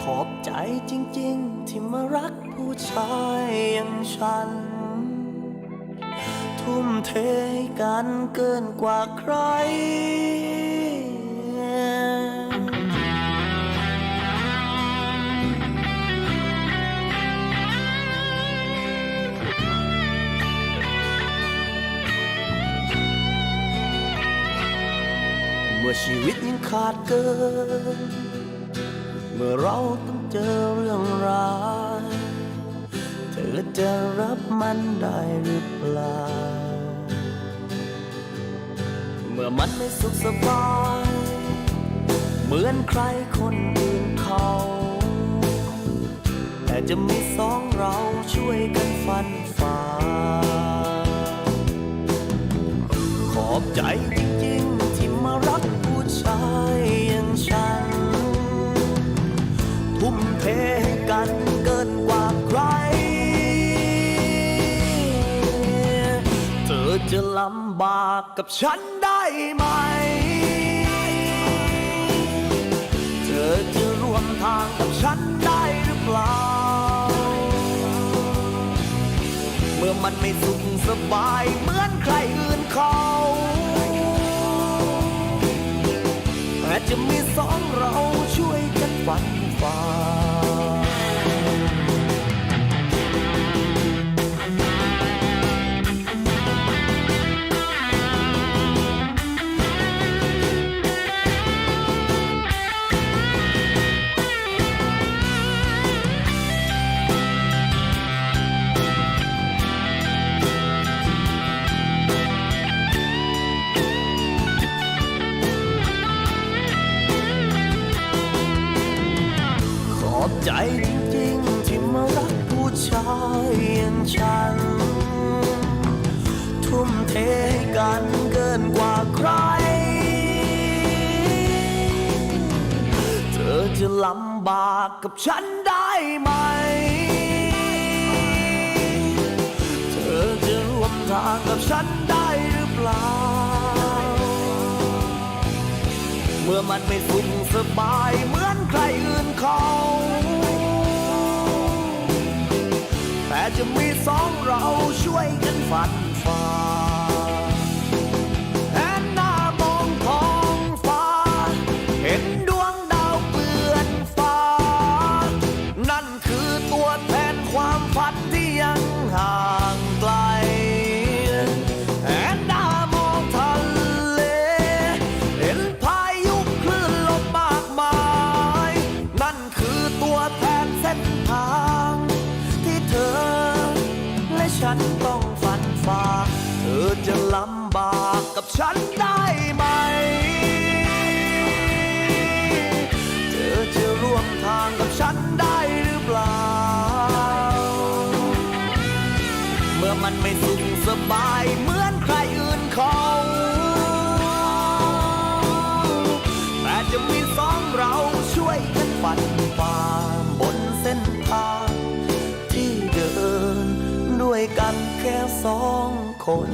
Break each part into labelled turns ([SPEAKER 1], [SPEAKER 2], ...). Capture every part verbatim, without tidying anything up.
[SPEAKER 1] ขอบใจจริงๆที่มารักผู้ชายอย่างฉันทุ่มเทให้กันเกินกว่าใครเมื่อชีวิตยังขาดเกินเมื่อเราต้องเจอเรื่องร้ายเธอจะรับมันได้หรือเปล่าเมื่อมันไม่สุขสบายเหมือนใครคนอื่นเขาแต่จะมีสองเราช่วยกันฟันฝ่าขอบใจจริงๆที่มารักผู้ชายอย่างฉันทุ่มเทให้กันเกินกว่าใครเธอจะลำบากกับฉันได้ไหมเธอจะร่วมทางกับฉันได้หรือเปล่าเมื่อมันไม่สุขสบายเหมือนใครอื่นเขาแต่จะมีสองเราช่วยกันฟันฝ่าขอบใจจริงๆที่มารักผู้ชายอย่างฉันทุ่มเทให้กันเกินกว่าใครเธอจะลำบากกับฉันได้ไหมเธอจะร่วมทางกับฉันได้หรือเปล่าเมื่อมันไม่สุขสบายเหมือนใครอื่นเขาแต่จะมีสองเราช่วยกันฟันฝ่าแอนหน้ามองท้องฟ้าเห็นดวงดาวเปลื่อนฟ้านั่นคือตัวแทนความฝันที่ยังห่างไกลแอนหน้ามองทะเลเห็นพายุคลื่นลมมากมายนั่นคือตัวแทนเส้นทางที่เธอและฉันต้องฟันฝ่าเธอจะลำบากกับฉันได้ไหมเธอจะร่วมทางกับฉันได้หรือเปล่าเมื่อมันไม่สุขสบายเหมือนใครอื่นเขาแต่จะมีสองเราช่วยกันฟันฝ่าบนเส้นทางที่เดินด้วยกันแค่สองคน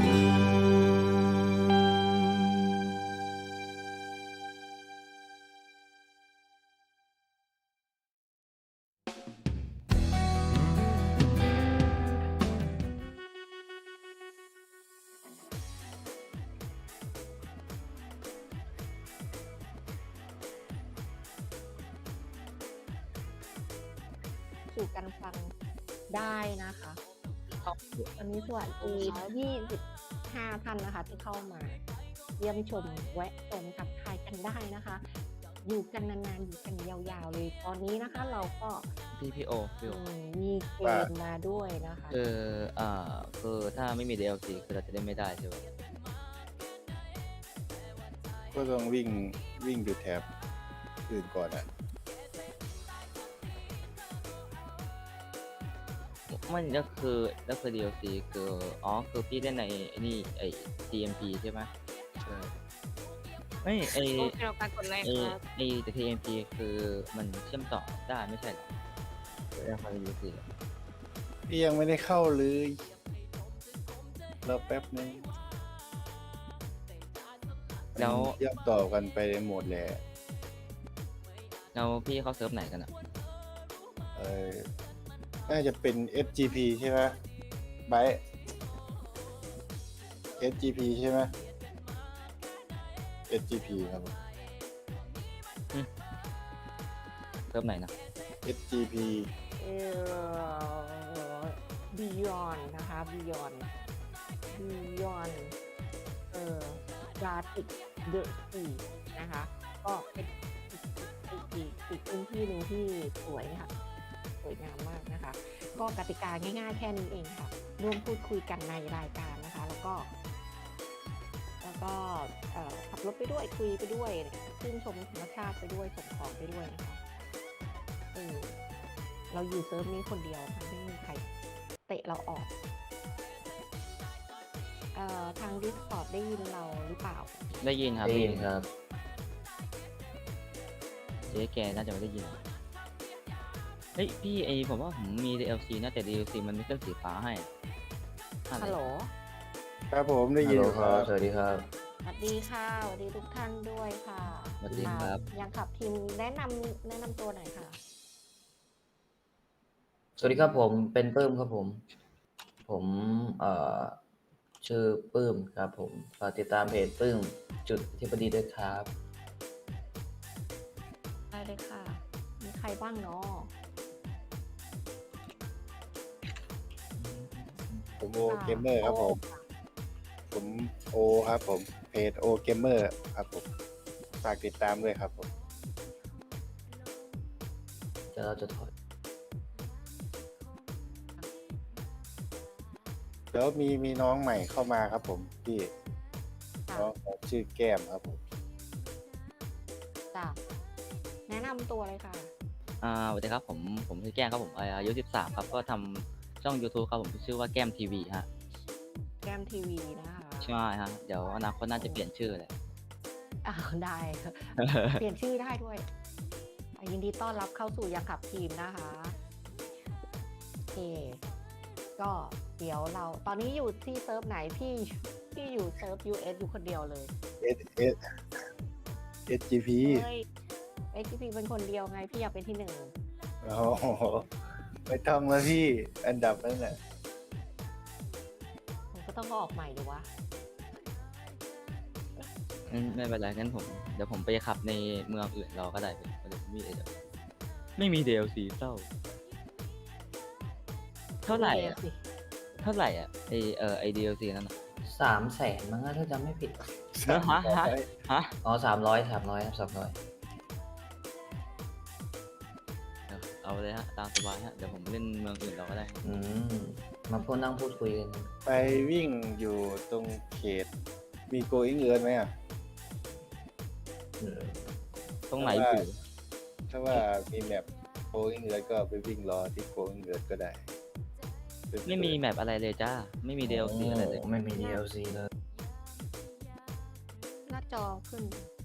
[SPEAKER 2] สู่กันฟังได้นะคะวันนี้สวัสดียี่สิบห้าท่านนะคะที่เข้ามาเยี่ยมชมแวะชมทักทายกันได้นะคะ อยู่กันนานๆอยู่กันยาวๆเลยตอนนี้นะคะเราก็
[SPEAKER 3] พี่พี่โอพี่โอ
[SPEAKER 2] มีเกมมาด้วยนะคะ
[SPEAKER 3] คืออ่าคือถ้าไม่มี ดี แอล ซี คือเราจะเล่นไม่ได้ใช่ไหม
[SPEAKER 4] ก็ต้องวิ่งวิ่งดูแท็บอื่นก่อนอ่ะ
[SPEAKER 3] มันก็คือก็คือ ดี แอล ซี คืออ๋อคือพี่เล่นในไอ้นี่ไอ้ ที เอ็ม พี ใช่ไหมใช่ไม่ไอ้
[SPEAKER 2] โอเคเราการกดไลค์
[SPEAKER 3] ไอ้
[SPEAKER 2] ครับ
[SPEAKER 3] ไอ้แต่ ที เอ็ม พี คือมันเชื่อมต่อได้ไม่ใช่หรอเรื่องของ ดี แอล ซี
[SPEAKER 4] พี่ยังไม่ได้เข้าเลยรอแป๊บนึง
[SPEAKER 3] แล้ว
[SPEAKER 4] เชื่อมต่อกันไปในโหมดแหละ
[SPEAKER 3] แล้วพี่เข้าเซิร์ฟไหนกันอ่ะ
[SPEAKER 4] เออน่าจะเป็น เอส จี พี ใช่ไหมไบร์ท เอส จี พี ใช่ไหม เอส จี พี ครับผม
[SPEAKER 3] เริ่มไหนนะ
[SPEAKER 4] เอส จี พี
[SPEAKER 2] เอ่อ Beyond นะคะ Beyond Beyond เอ่อ Gartic The Sea นะคะ ก็เป็นอีกอีกอีกพื้นที่หนึ่งที่สวยค่ะ สวยงามมากนะคะ ก็กติกาง่ายๆแค่นี้เองค่ะ ร่วมพูดคุยกันในรายการนะคะ แล้วก็ แล้วก็เอ่อขับรถไปด้วยคุยไปด้วยชื่นชมธรรมชาติไปด้วยส่งของไปด้วยนะคะเออเราอยู่เซิร์ฟนี้คนเดียวค่ะไม่มีใครเตะเราออกเอ่อทาง Discord ได้ยินเราหรือเปล่า
[SPEAKER 3] ได้ยินครับ
[SPEAKER 5] ได้ยินครับ
[SPEAKER 3] เจ๊แกน่าจะไม่ได้ยินเฮ้ยพี่ไอผมว่าผมมี ดี แอล ซี นะแต่ ดี แอล ซี มันไม่ขึ้นสีฟ้าให้อะไร
[SPEAKER 2] ฮัลโหล
[SPEAKER 4] ครับผมได้ยิน
[SPEAKER 5] ฮัลโหล
[SPEAKER 4] ค
[SPEAKER 5] ค
[SPEAKER 4] รั
[SPEAKER 5] รับ บ สวัสดีครับ
[SPEAKER 2] สวัสดีค่ะสวัสดีทุกท่านด้วยค่ะ
[SPEAKER 3] สวัสดีครับ
[SPEAKER 2] อ่ายังขับทีมแนะนำแนะนำตัวหน่อยค่ะ
[SPEAKER 5] สวัสดีครับผมเป็นปื้มครับผม ผมเอ่อชื่อปื้มครับผมฝากติดตามเพจปื้มจุดที่พอดีด้วยครับ
[SPEAKER 2] ได้เลยค่ะ มีใครบ้างเนาะ
[SPEAKER 4] ผมโอเกมเมอร์ครับผม ผมโอครับผม เพจโอเกมเมอร์ครับผม ฝากติดตามด้วยครับผม
[SPEAKER 5] จะเราจะถอย
[SPEAKER 4] แล้วมีมีน้องใหม่เข้ามาครับผมพี่
[SPEAKER 2] ค่ะ
[SPEAKER 4] น้องเขาชื่อแก้มครับผม
[SPEAKER 2] จ้ะแนะนำตัวเลยค่ะ
[SPEAKER 3] อ่าสวัสดีครับผมผมชื่อแก้มครับผมอายุสิบสามครับก็ทำช่อง YouTube ครับผมที่ชื่อว่าแก้มทีวีฮะ
[SPEAKER 2] แก้มทีวีนะคะ
[SPEAKER 3] ใช่ฮะเดี๋ยวอนาคตน่าจะเปลี่ยนชื่อเลย
[SPEAKER 2] อ้าวได้ค่ะ เปลี่ยนชื่อได้ด้วยอ่ะยินดีต้อนรับเข้าสู่ยังขับทีมนะคะโอเค ก็เดี๋ยวเราตอนนี้อยู่ที่เซิร์ฟไหนพี่พี่อยู่เซิร์ฟ ยู เอส อยู่คนเดียวเลย
[SPEAKER 4] S S เอส จี พี
[SPEAKER 2] เฮ้ยเอ็กซ์พีเป็นคนเดียวไงพี่อยากเป็นที่หนึ่ง
[SPEAKER 4] โอ้โหไม่ต้องแล้วพี่ อันดับนั้นแหละ
[SPEAKER 2] ผมก็ต้องออกใหม่ดูวะ
[SPEAKER 3] งั้นไม่เป็นไรงั้นผมเดี๋ยวผมไปขับในเมืองอื่นเราก็ได้เป็นเดี๋ยวมีเดี๋ยวไม่มี ดี แอล ซี เศร้าเท่าไหร่อะ
[SPEAKER 2] สิ
[SPEAKER 3] เท่าไหร่อ่ะไอเออไอ ดี แอล ซี นั่นน่ะ
[SPEAKER 5] สามแสนมั้งนะถ้าจำไม่ผิด
[SPEAKER 3] เนอะฮะฮะฮะ
[SPEAKER 5] อ๋อสามร้อยสามร้อยครับสามร้อย
[SPEAKER 3] เดี๋ยวเอาเลยฮะตามสบายฮะเดี๋ยวผมเล่นเมืองอื่นเราก็ได้
[SPEAKER 5] อืม มาพูดนั่งพูดคุยกัน
[SPEAKER 4] ไปวิ่งอยู่ตรงเขต มีโกอิงเอิร์นไหมอ่ะ
[SPEAKER 3] ตรงไหน
[SPEAKER 4] เพราะว่า
[SPEAKER 3] อยู่
[SPEAKER 4] ถ้าว่ามีแมปโกอิงเอิร์นก็ไปวิ่งรอที่โกอิงเอิร์นก็ได้
[SPEAKER 3] ไม่มีแมปอะไรเลยจ้าไม่มี ดี แอล ซี อะไรเลย
[SPEAKER 5] โไม่มี ดี แอล ซี เลย
[SPEAKER 2] หน้าจอขึ้น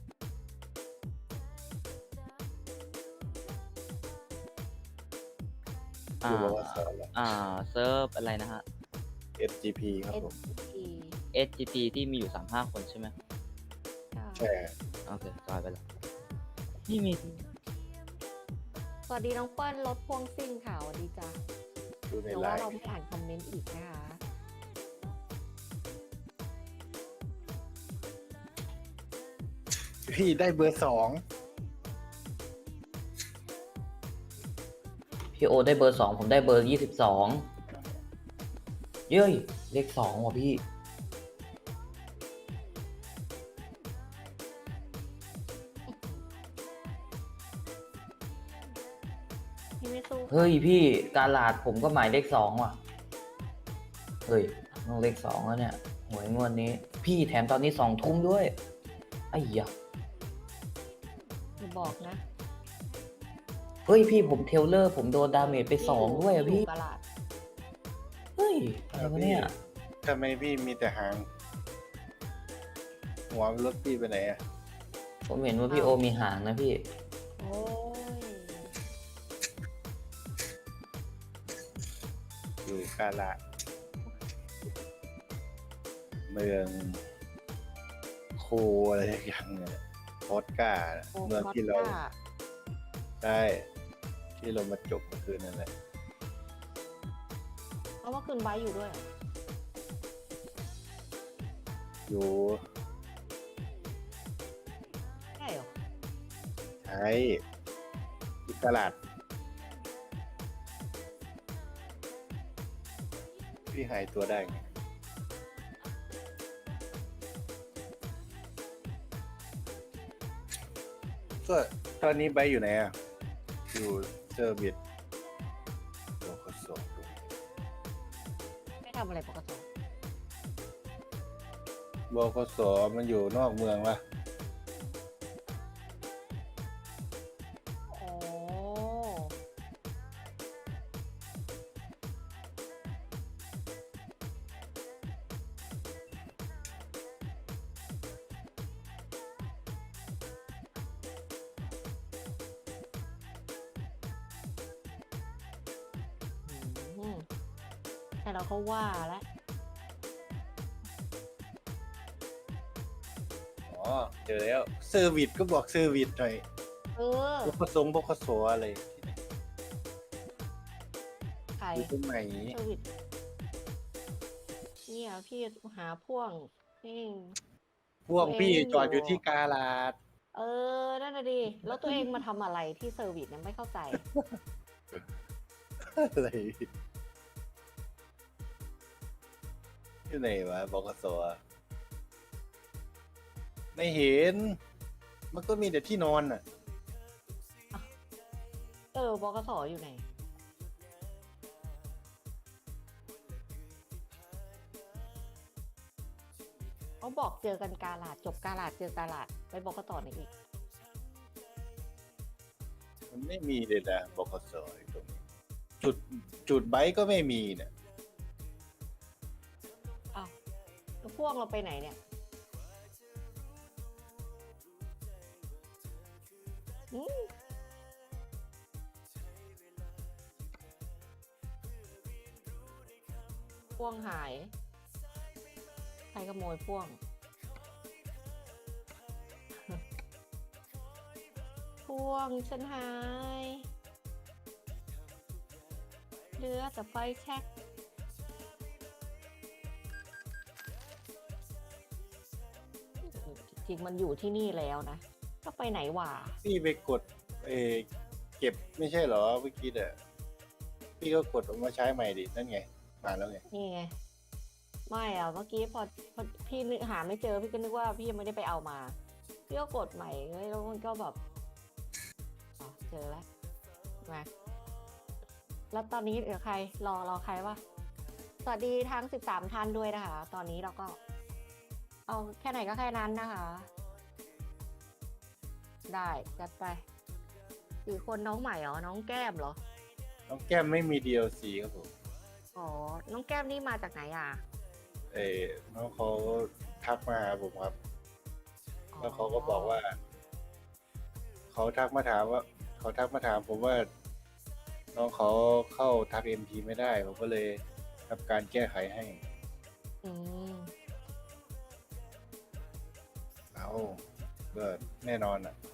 [SPEAKER 3] อ่า
[SPEAKER 4] คือบอกว่าสอนแล้ว
[SPEAKER 3] อ่าเซิร์ฟอะไรนะฮะ
[SPEAKER 4] เอส จี พี ครับผม
[SPEAKER 2] เอส พี
[SPEAKER 3] เอส จี พี ที่มีอยู่สามห้าคนใช่ไหม
[SPEAKER 4] ใช่
[SPEAKER 3] โอเคจอยไปแล้วนี่มี
[SPEAKER 2] สวัสดีน้องเปิ้ลรถพ่วงซิ่งค่ะสวัสดีจ้า
[SPEAKER 4] ดูใน
[SPEAKER 2] เดี๋ยว
[SPEAKER 4] ไล
[SPEAKER 2] ว่า
[SPEAKER 4] น์
[SPEAKER 2] เราไม่อ่านคอมเมนต์อีกนะคะ
[SPEAKER 4] พี่ได้เบอร์สอง
[SPEAKER 5] พี่โอได้เบอร์สองผมได้เบอร์ยี่สิบสองเย้ยเลขสองว่ะพี่
[SPEAKER 2] พี่ไม่สู้
[SPEAKER 5] เฮ้ยพี่การลาดผมก็หมายเลขสองว่ะ เฮ้ยต้องเลขสองแล้วเนี่ยหวยงวดนี้ พี่แถมตอนนี้สองทุ่มด้วยไอ้ยะ
[SPEAKER 2] อย่าบอกนะ
[SPEAKER 5] เฮ้ยพี่ผมเทรลเลอร์ผมโดนดาเมจไปสองด้วยอะพี่
[SPEAKER 2] ตลาด
[SPEAKER 5] เฮ้ยอะไรวะเนี่ย
[SPEAKER 4] ทำไมพี่มีแต่หาง หัวรถพี่ไปไหนอ่ะ
[SPEAKER 5] ผมเห็นว่าพี่โอมีหางนะพี่
[SPEAKER 2] โอ้ย
[SPEAKER 4] อยู่กาละเมืองโคอะไรอย่างเงี้ยพอดก้า
[SPEAKER 2] โอ้
[SPEAKER 4] เมืองที่เรา
[SPEAKER 2] พอดก้า
[SPEAKER 4] ได้ที่ที่เรามาจบเมื่อคืนนั่นแหละ
[SPEAKER 2] เพราะว่าคืนไว้อยู่ด้วยเหรอ
[SPEAKER 4] อยู่
[SPEAKER 2] ใช่เหรอ
[SPEAKER 4] ใช้ที่ตลาดพี่หายตัวได้ไงก็ตอนนี้ไบร์ทอยู่ไหนอ่ะ อยู่เซอร์วิสโลคโซ
[SPEAKER 2] ไม่ทำอะไรปกติ
[SPEAKER 4] บกสมันอยู่นอกเมืองวะ
[SPEAKER 2] โอ้ อืมแต่เราก็ว่าแล้ว
[SPEAKER 4] อ๋อ เจอแล้วเซอร์วิสก็บอกเซอร์วิสหน่อย
[SPEAKER 2] เออ
[SPEAKER 4] บกสบกสอะไรที่ไหน
[SPEAKER 2] ใคร
[SPEAKER 4] อยู่ตรงไหน
[SPEAKER 2] เซอร์วิสเนี่ยพี่หาพ่วงนี่
[SPEAKER 4] พวกพี่
[SPEAKER 2] ตัวเอง
[SPEAKER 4] จอดอยู่
[SPEAKER 2] อยู่
[SPEAKER 4] ที่กาลาด
[SPEAKER 2] เออ นั่นน่ะดิ แล้วตัวเองมาทำอะไรที่เซอร์วิสเนี่ยไม่เข้าใจ
[SPEAKER 4] อะไรที่ไหนวะบกสอะไม่เห็น มันก็มีแต่ที่นอนอ่ะ
[SPEAKER 2] เออบกสอยู่ไหน เขาบอกเจอกันกาลาดจบกาลาดเจอกาลาดไปบกสไหนอีก
[SPEAKER 4] มันไม่มีเลยนะบกสไอ้ตรงนี้ จุดจุดไบค์ก็ไม่มีเนี่ย
[SPEAKER 2] อ้าวแล้วพ่วงเราไปไหนเนี่ยอืมพ่วงหาย ใครขโมยพ่วง พ่วงฉันหาย เหลือแต่ไฟแช็ก จริงๆมันอยู่ที่นี่แล้วนะ ก็ไปไหนวะ
[SPEAKER 4] พี่ไปกดเออเก็บไม่ใช่เหรอเมื่อกี้เด้อพี่ก็กดออกมาใช้ใหม่ดิ นั่นไง มาแล้วไง
[SPEAKER 2] นี่ไง ไม่อ่ะ เมื่อกี้พอพอพี่นึกหาไม่เจอ พี่ก็นึกว่าพี่ยังไม่ได้ไปเอามา พี่ก็กดใหม่เฮ้ยแล้วมันก็แบบอ๋อเจอแล้วมาแล้วตอนนี้เหลือใคร รอรอใครวะ สวัสดีทั้งสิบสามท่านด้วยนะคะ ตอนนี้เราก็ เอาแค่ไหนก็แค่นั้นนะคะ ได้จัดไปสี่คนน้องใหม่เหรอ น้องแก้มเหรอ
[SPEAKER 4] น้องแก้มไม่มี ดี แอล ซี ครับผม
[SPEAKER 2] อ๋อ น้องแก้มนี่มาจากไหนอ่ะ
[SPEAKER 4] เออน้องเขาทักมาหาผมครับ แล้วเขาก็บอกว่า เขาทักมาถามว่า เขาทักมาถามผมว่า น้องเขาเข้าทักเอ็มพีไม่ได้ ผมก็เลยทำการแก้ไขให้
[SPEAKER 2] อืม
[SPEAKER 4] เอาก็แน่นอนอ่ะ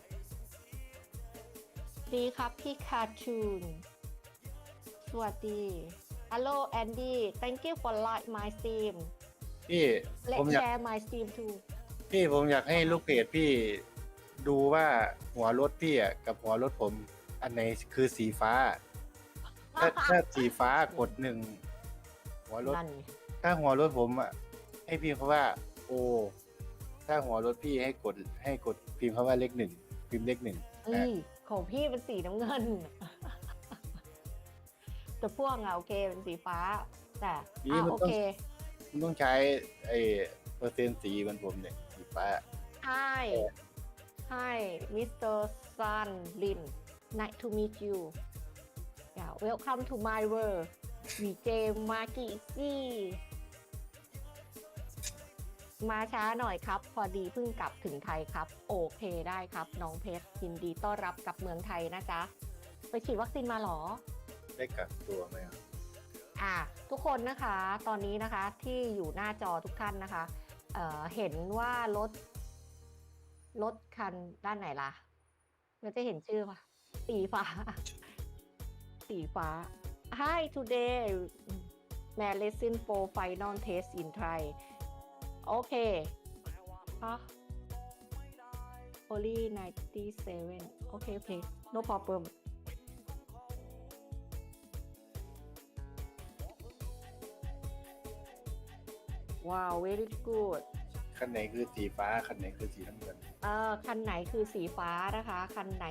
[SPEAKER 2] ดีครับพี่คาร์ทูน สวัสดี Hello Andy thank you for like my stream
[SPEAKER 4] พี่
[SPEAKER 2] Let's
[SPEAKER 4] ผมอยาก
[SPEAKER 2] share my stream too
[SPEAKER 4] พี่ผมอยากให้ลูกเพจพี่ดูว่าหัวรถพี่อ่ะกับหัวรถผม อันไหนคือสีฟ้า ถ้าถ้าสีฟ้ากดหนึ่งหัวรถ
[SPEAKER 2] นั่นไง
[SPEAKER 4] ถ้าหัวรถผมอ่ะให้พิมพ์คำว่าโอถ้าหัวรถพี่ให้กดให้กดพิมพ์คำว่าเลขหนึ่งพิมพ์เลขหนึ่ง
[SPEAKER 2] เอ้ยของพี่เป็นสีน้ำเงิน แต่พวกอะโอเคเป็นสีฟ้า แต่อ่ะโอเค
[SPEAKER 4] มันต้องใช้ไอ้เปอร์เซ็นต์สีเหมือนผมเนี่ยสีฟ้า
[SPEAKER 2] Hi Hi Mister Sun Lin nice to meet you yeah welcome to my world วีเจมากิซี่ มาช้าหน่อยครับ พอดีเพิ่งกลับถึงไทยครับ โอเคได้ครับ น้องเพชรยินดีต้อนรับกลับเมืองไทยนะจ๊ะ ไปฉีดวัคซีนมาเหรอ
[SPEAKER 4] ได้กักตัวไหมครับ
[SPEAKER 2] อ่ะทุกคนนะคะ ตอนนี้นะคะที่อยู่หน้าจอทุกท่านนะคะเอ่อเห็นว่ารถรถคันด้านไหนล่ะเราจะเห็นชื่อปะสีฟ้าสีฟ้า Hi today may lesson for final test in Thai โอเคฮะ only ninety-seven โอเค โอเค no problem wow very good
[SPEAKER 4] คันไหนคือสีฟ้าคันไหนคือสีน้ำเงิน
[SPEAKER 2] เอ่อคันไหนคือสีฟ้านะคะ คันไหน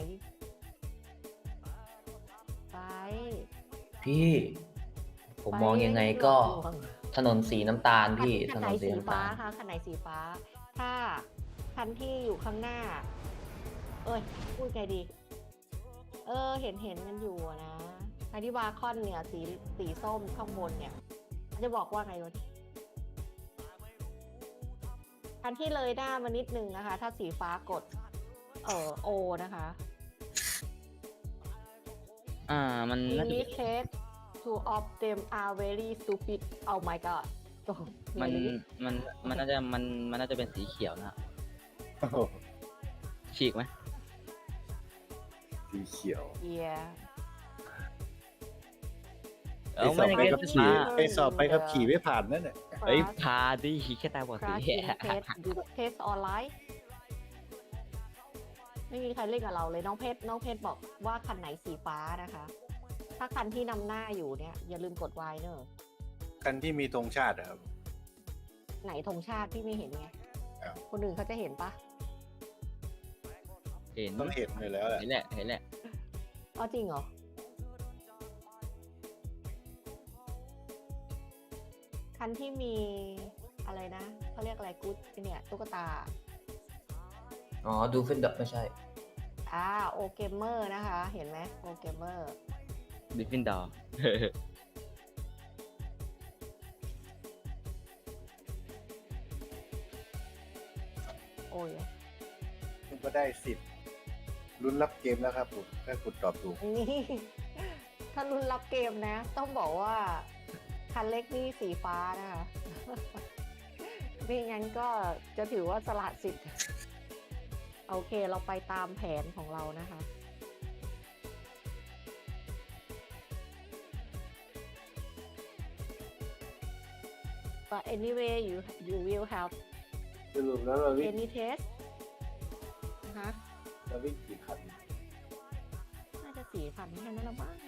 [SPEAKER 2] ไป
[SPEAKER 5] พี่ ผม
[SPEAKER 2] ไป
[SPEAKER 5] มองยังไงก็
[SPEAKER 2] หลวง
[SPEAKER 5] ถนนสีน้ำตาลพี่
[SPEAKER 2] คั
[SPEAKER 5] ถ
[SPEAKER 2] น
[SPEAKER 5] น
[SPEAKER 2] ไหน
[SPEAKER 5] นสี
[SPEAKER 2] สี
[SPEAKER 5] น้ำ
[SPEAKER 2] ฟ้า
[SPEAKER 5] ตาล
[SPEAKER 2] คะคันไหนสีฟ้า ถ้าคันที่อยู่ข้างหน้า เอ้ยพูดไงดี เออ เห็นเห็นกันอยู่อะนะคันที่วาคอนเนี่ยสีสีส้มข้างบนเนี่ยจะบอกว่าไงวะคันที่เลยหน้ามานิดนึงนะคะ ถ้าสีฟ้ากด เออโอนะคะ
[SPEAKER 3] อ่า มัน
[SPEAKER 2] In
[SPEAKER 3] น่าจะ
[SPEAKER 2] this case two of them are very stupid oh my god โอ้
[SPEAKER 3] มัน
[SPEAKER 2] really
[SPEAKER 3] มันมันน่าจะมันมันน่าจะเป็นสีเขียวนะ
[SPEAKER 4] โอ้โห
[SPEAKER 3] ฉีกไหม
[SPEAKER 4] สีเขียว
[SPEAKER 2] yeah
[SPEAKER 3] เออ
[SPEAKER 4] ไปส
[SPEAKER 3] ไม่
[SPEAKER 4] อบ
[SPEAKER 3] ได้
[SPEAKER 4] ไป
[SPEAKER 3] เก็
[SPEAKER 4] ขั
[SPEAKER 3] ต
[SPEAKER 4] บขี่ไปสอบไปขับขี่ไม่ผ่านนั่นแหละ
[SPEAKER 3] เอ้ยพาดิแค่ตาบอดสี
[SPEAKER 2] crash in test do test online ไม่มีใครเล่นกับเราเลยน้องเพชรน้องเพชรบอกว่าคันไหนสีฟ้านะคะ ถ้าคันที่นำหน้าอยู่เนี่ย อย่าลืมกด Y เนอะ
[SPEAKER 4] คันที่มีธงชาติอะครับ
[SPEAKER 2] ไหนธงชาติพี่ไม่เห็นไง
[SPEAKER 4] อ้าว
[SPEAKER 2] คนอื่นเขาจะเห็นปะ
[SPEAKER 3] เห็น
[SPEAKER 4] ต้องเห็นเลยแล้วแหละ
[SPEAKER 3] เห็นแหละเห็นแหละ
[SPEAKER 2] อ๋อจริงเหรอ คันที่มีอะไรนะเขาเรียกอะไรกู๊ดเนี่ยตุ๊กตา
[SPEAKER 5] อ๋อ ดูฟินดับไม่ใช่
[SPEAKER 2] อ่าโอเกมเมอร์นะคะ เห็นไหมโอเกมเมอร์
[SPEAKER 3] ดิฟฟินดอร์
[SPEAKER 2] โอ้ย
[SPEAKER 4] คุณก็ได้สิทธิ์ลุ้นรับเกมแล้วครับผมถ้าคุณตอบถูก
[SPEAKER 2] นี่ ถ้ารุนรับเกมนะ ต้องบอกว่า คันเล็กนี่สีฟ้านะคะ ไม่งั้นก็จะถือว่าสละสิทธิ์ โอเคเราไปตามแผนของเรานะคะ but anyway you you will have
[SPEAKER 4] สรุปแล้วเราวิ่ง
[SPEAKER 2] any test นะคะ
[SPEAKER 4] เราวิ่งกี่คัน
[SPEAKER 2] น่าจะสี่พันแค่นั้นละมั้ง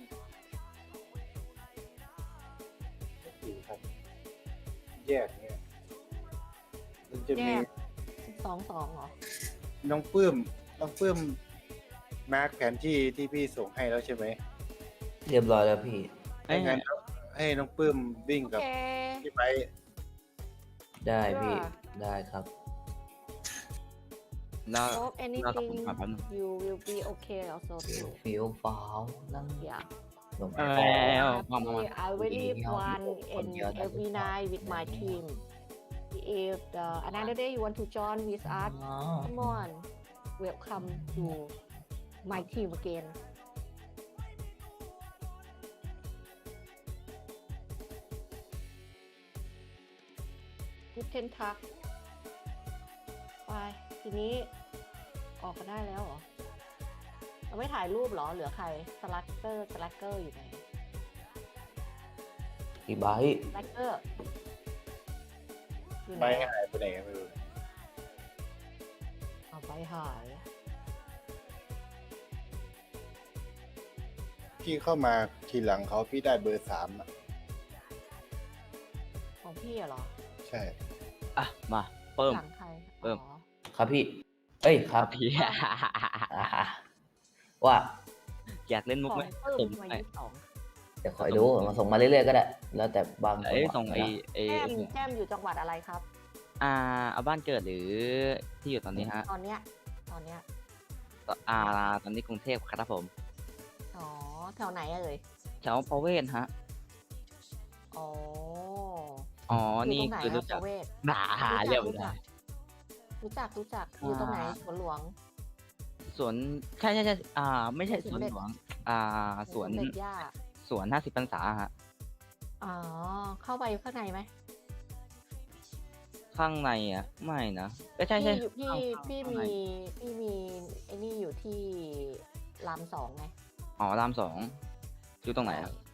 [SPEAKER 4] กี่คันแยกเนี่ยมันจะ
[SPEAKER 2] แย
[SPEAKER 4] มี
[SPEAKER 2] กสองสองเหรอ
[SPEAKER 4] น้องปื้มน้องปื้มมาร์กแผนที่ที่พี่ส่งให้แล้วใช่ไหม
[SPEAKER 5] เรียบร้อยแล้วพี่
[SPEAKER 4] ให้งั้นให้น้องปื้มวิ่ง
[SPEAKER 2] โอ
[SPEAKER 4] กับ
[SPEAKER 2] เค
[SPEAKER 4] พี่ไป
[SPEAKER 5] ได้พี่
[SPEAKER 2] ค่ะ
[SPEAKER 5] ได้ครับ
[SPEAKER 3] แล้ว
[SPEAKER 2] hope
[SPEAKER 3] แล้วกับผม
[SPEAKER 2] anything
[SPEAKER 3] มาแป๊บนึง
[SPEAKER 2] you will be okay also
[SPEAKER 5] ฟิล
[SPEAKER 2] too
[SPEAKER 5] ฟิลฟ้าวนั่ง
[SPEAKER 2] yeah
[SPEAKER 5] ลง
[SPEAKER 3] เออ
[SPEAKER 5] ไป
[SPEAKER 3] แล้วมามามา
[SPEAKER 2] I really fun
[SPEAKER 5] คน
[SPEAKER 2] and
[SPEAKER 5] เยอะนะ
[SPEAKER 2] every night with my team if the another day you want to join with us
[SPEAKER 5] อ๋อ
[SPEAKER 2] come on welcome to my team again กูเทนทักไปทีนี้ออกกันได้แล้วเหรอ เราไม่ถ่ายรูปเหรอ เหลือใครสลักเกอร์สลักเกอร์อยู่ไหน
[SPEAKER 5] กี่ใบต์
[SPEAKER 2] สลักเกอร์อยู่ไห
[SPEAKER 4] ไป
[SPEAKER 2] น
[SPEAKER 4] หายไปไหนไม่รู้
[SPEAKER 2] เอาไปหาย
[SPEAKER 4] พี่เข้ามาทีหลังเขาพี่ได้เบอร์สามอ่ะ
[SPEAKER 2] ของพี่เหรอ
[SPEAKER 4] ใช่
[SPEAKER 3] อ่ะ มาเพิ่ม
[SPEAKER 2] หลังใคร
[SPEAKER 3] เพิ่ม
[SPEAKER 2] อ๋อ
[SPEAKER 5] ครับพี่ เอ้ยครับ
[SPEAKER 3] พี่
[SPEAKER 5] อ่าว่า
[SPEAKER 3] อยากเล่นมุก
[SPEAKER 2] ของ
[SPEAKER 3] ไหม
[SPEAKER 2] เพิ่ม
[SPEAKER 3] ผม
[SPEAKER 2] มา
[SPEAKER 3] ไอ้
[SPEAKER 2] ยี่สิบสอง
[SPEAKER 5] เดี๋ยวคอยดูมาส่งมาเรื่อยๆก็ได้ แล้วแต่บาง
[SPEAKER 3] เอ้ย
[SPEAKER 5] จัหวะ
[SPEAKER 3] ส่งไอ้
[SPEAKER 5] นะ
[SPEAKER 3] ไอ้
[SPEAKER 2] แก้มแก้มอยู่จังหวัดอะไรครับ
[SPEAKER 3] อ่าเอาบ้านเกิดหรือที่อยู่ตอนนี้ฮะ
[SPEAKER 2] ตอนเนี้ย ตอนเนี้ย
[SPEAKER 3] อ่าตอนนี้กรุงเทพครับผม
[SPEAKER 2] อ๋อ แถวไหนเอ่ย
[SPEAKER 3] แถวประเวศฮะ
[SPEAKER 2] อ๋อ
[SPEAKER 3] อ๋อ
[SPEAKER 2] อยู่
[SPEAKER 3] นี่
[SPEAKER 2] ตรงไหน
[SPEAKER 3] คือ
[SPEAKER 2] อะ
[SPEAKER 3] รู้
[SPEAKER 2] ป
[SPEAKER 3] จัก
[SPEAKER 2] ระเวศ
[SPEAKER 3] หนาเรียบ
[SPEAKER 2] รู้
[SPEAKER 3] ร้
[SPEAKER 2] จั
[SPEAKER 3] อก ย
[SPEAKER 2] รู้จักรู้จักอยู่ตรงไหน
[SPEAKER 3] อ่า
[SPEAKER 2] สวนหลวง
[SPEAKER 3] สวนใช่ใช่ใช่อ่า ไม่ใช่
[SPEAKER 2] ส
[SPEAKER 3] ส
[SPEAKER 2] ว
[SPEAKER 3] วน น
[SPEAKER 2] เด็จ
[SPEAKER 3] หลวง อ่า สวน
[SPEAKER 2] สมเด็จย่า
[SPEAKER 3] สวนห้าสิบพรรษาฮะ
[SPEAKER 2] อ๋อ เข้าไปข้างในไหม
[SPEAKER 3] ข้างในอ่ะ ไม่นะไม่ใช่ใช่
[SPEAKER 2] พี่อยู่พี่
[SPEAKER 3] ข้างๆ
[SPEAKER 2] พี่
[SPEAKER 3] ข้างใน
[SPEAKER 2] มีพี่มีไอ้นี่อยู่ที่รามสองไง
[SPEAKER 3] อ๋อรามสองอยู่ตรงไหนครับ